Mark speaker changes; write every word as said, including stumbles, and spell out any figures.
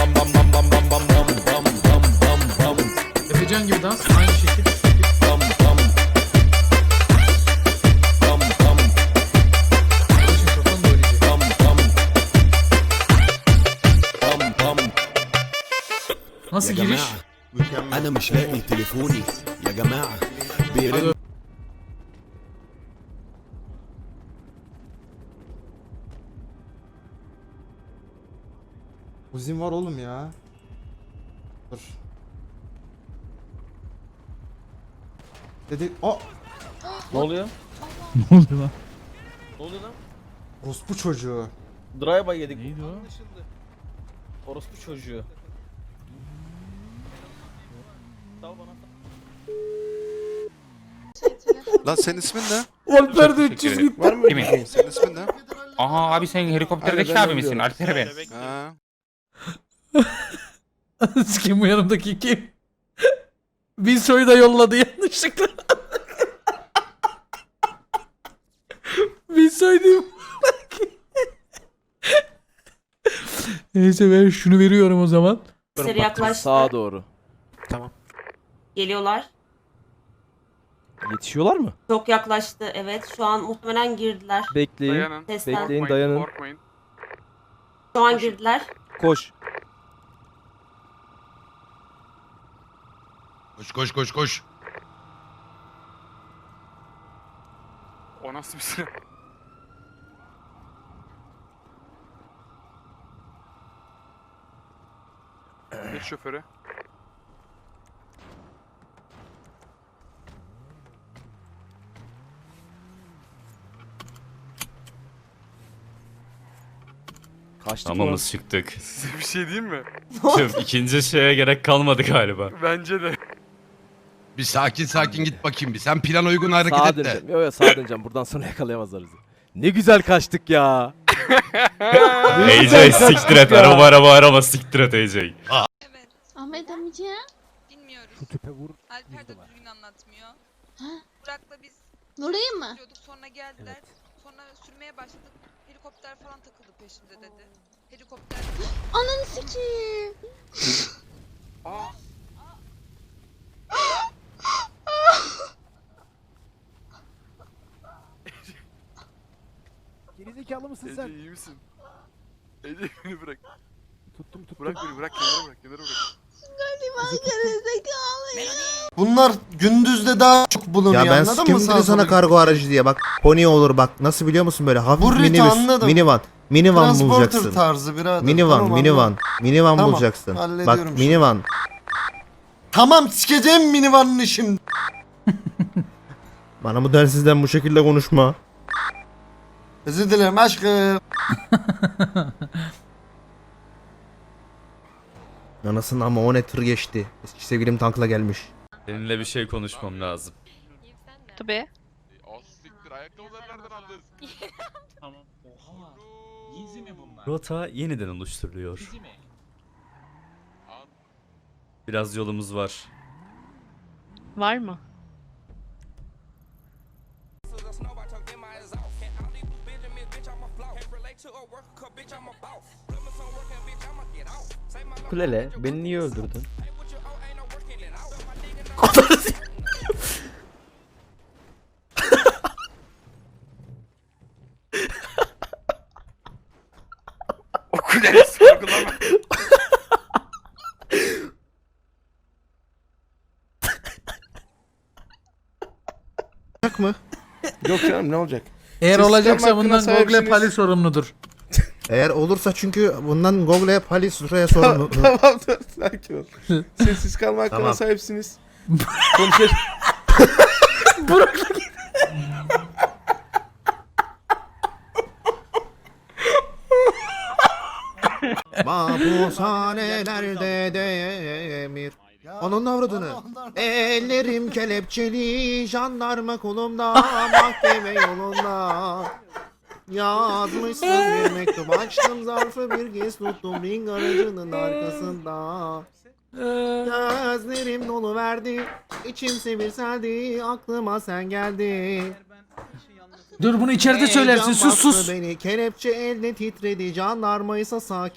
Speaker 1: Efecan gibi dans aynı şekil. Nasıl giriş?
Speaker 2: انا مش لاقي تليفوني يا جماعه بيرن.
Speaker 3: Uzun var oğlum ya. Dur. Dedi o
Speaker 4: Ne oluyor?
Speaker 1: Ne oldu lan?
Speaker 4: Ne oluyor lan?
Speaker 3: orospu çocuğu.
Speaker 4: Drive-by yedik.
Speaker 1: Neydi o?
Speaker 4: Anlaşıldı. Orospu çocuğu. Sal bana.
Speaker 5: Lan senin ismin ne?
Speaker 3: Alper de üç yüz gitti.
Speaker 6: Var mı
Speaker 7: Kimin?
Speaker 6: şey?
Speaker 5: Senin ismin ne?
Speaker 7: Aha abi sen helikopterdeki
Speaker 6: Aynen, ben
Speaker 7: abi misin?
Speaker 6: diyorum.
Speaker 7: Alper ben.
Speaker 5: Ha.
Speaker 1: Kim bu yanımdaki kim? Wilsoy'u da yolladı yanlışlıkla. Wilsoy değil mi? Neyse ben şunu veriyorum o zaman.
Speaker 8: Seri yaklaştı.
Speaker 4: Sağa doğru.
Speaker 8: Geliyorlar.
Speaker 4: Yetişiyorlar mı?
Speaker 8: Çok yaklaştı. Evet. Şu an muhtemelen girdiler.
Speaker 4: Bekleyin.
Speaker 9: Dayanın.
Speaker 8: Sesten.
Speaker 4: Bekleyin, dayanın.
Speaker 9: Korkmayın.
Speaker 8: Şu an girdiler.
Speaker 4: Koş.
Speaker 2: Koş koş koş koş.
Speaker 9: O nasıl bir silah? Geç şoföre.
Speaker 4: Kaçtık
Speaker 7: Tamamız çıktık.
Speaker 9: Size bir şey diyeyim mi?
Speaker 7: Tüh, ikinci şeye gerek kalmadı galiba.
Speaker 9: Bence de.
Speaker 2: Bir sakin sakin git bakayım bir. Sen plan uygun hareket
Speaker 4: Sağa
Speaker 2: et de.
Speaker 4: döneceğim. Yok yok sağa döneceğim. Buradan sonra yakalayamazlar bizi. Ne güzel kaçtık ya.
Speaker 7: A J siktir et. Araba araba araba siktir et A J.
Speaker 10: Ahmet amca.
Speaker 11: Bilmiyoruz.
Speaker 4: Şu tüpe vur.
Speaker 11: Alper de düzgün anlatmıyor.
Speaker 10: Ha?
Speaker 11: Burak'la biz
Speaker 10: Orayı mı?
Speaker 11: sürüyorduk, sonra geldiler.
Speaker 4: Evet.
Speaker 11: Sonra sürmeye başladık. Helikopter falan takıldı peşimde dedi. Helikopter...
Speaker 10: Ananı sikeyim.
Speaker 4: Gerizekalı mısın
Speaker 9: Ece
Speaker 4: sen?
Speaker 9: iyi misin? Ece beni bırak.
Speaker 4: Tuttum tuttum.
Speaker 9: Bırak beni bırak kenara bırak kenara bırak.
Speaker 10: Gariban gerizekalı ya.
Speaker 3: Bunlar gündüzde daha çok bulunuyor,
Speaker 12: Ya ben
Speaker 3: anladın
Speaker 12: kim
Speaker 3: mı?
Speaker 12: dedi
Speaker 3: Sağa
Speaker 12: sana
Speaker 3: sola
Speaker 12: kargo aracı diye bak. Pony olur bak. Nasıl biliyor musun böyle hafif
Speaker 3: Bu riti
Speaker 12: minibüs,
Speaker 3: anladım.
Speaker 12: minivan. Minivan
Speaker 3: Transporter
Speaker 12: bulacaksın.
Speaker 3: tarzı birader.
Speaker 12: Minivan,
Speaker 3: Tamam,
Speaker 12: minivan.
Speaker 3: anladım.
Speaker 12: Minivan
Speaker 3: Tamam,
Speaker 12: bulacaksın.
Speaker 3: hallediyorum
Speaker 12: Bak
Speaker 3: şimdi.
Speaker 12: minivan.
Speaker 3: Tamam sikeceğim minivanını şimdi.
Speaker 12: Bana bu densizden bu şekilde konuşma.
Speaker 3: Özür dilerim aşkım.
Speaker 12: Anasını ama o ne tır geçti. Eski sevgilim tankla gelmiş.
Speaker 7: Seninle bir şey konuşmam lazım.
Speaker 11: Tabii.
Speaker 7: Rota yeniden oluşturuluyor. Biraz yolumuz var.
Speaker 11: Var mı?
Speaker 4: Kulele beni niye öldürdün?
Speaker 9: O kuleyi sorgulama.
Speaker 12: Bak mı?
Speaker 6: Yok canım ne olacak?
Speaker 1: Eğer
Speaker 6: Sistem
Speaker 1: olacaksa
Speaker 6: hakkına
Speaker 1: bundan Google
Speaker 6: sahipsiniz.
Speaker 1: Pali sorumludur.
Speaker 12: Eğer olursa çünkü bundan Google'e Palis şuraya sorun.
Speaker 6: Tamam dur sakin ol. Sessiz kalma hakkına
Speaker 12: Tamam.
Speaker 6: sahipsiniz. Konuşalım.
Speaker 12: Mahpushanelerde demir. Onun avradını. Ellerim kelepçeli, jandarma kolumda, mahkeme yolunda. Yazmışsın bir mektup, açtım zarfı bir kez tuttum ring aracının arkasında. Gözlerim dolu verdi, içim bir seldi, aklıma sen geldin.
Speaker 1: Dur bunu içeride söylersin. Sus sus.
Speaker 12: Beni kelepçe elde titredi, jandarmaysa sakin.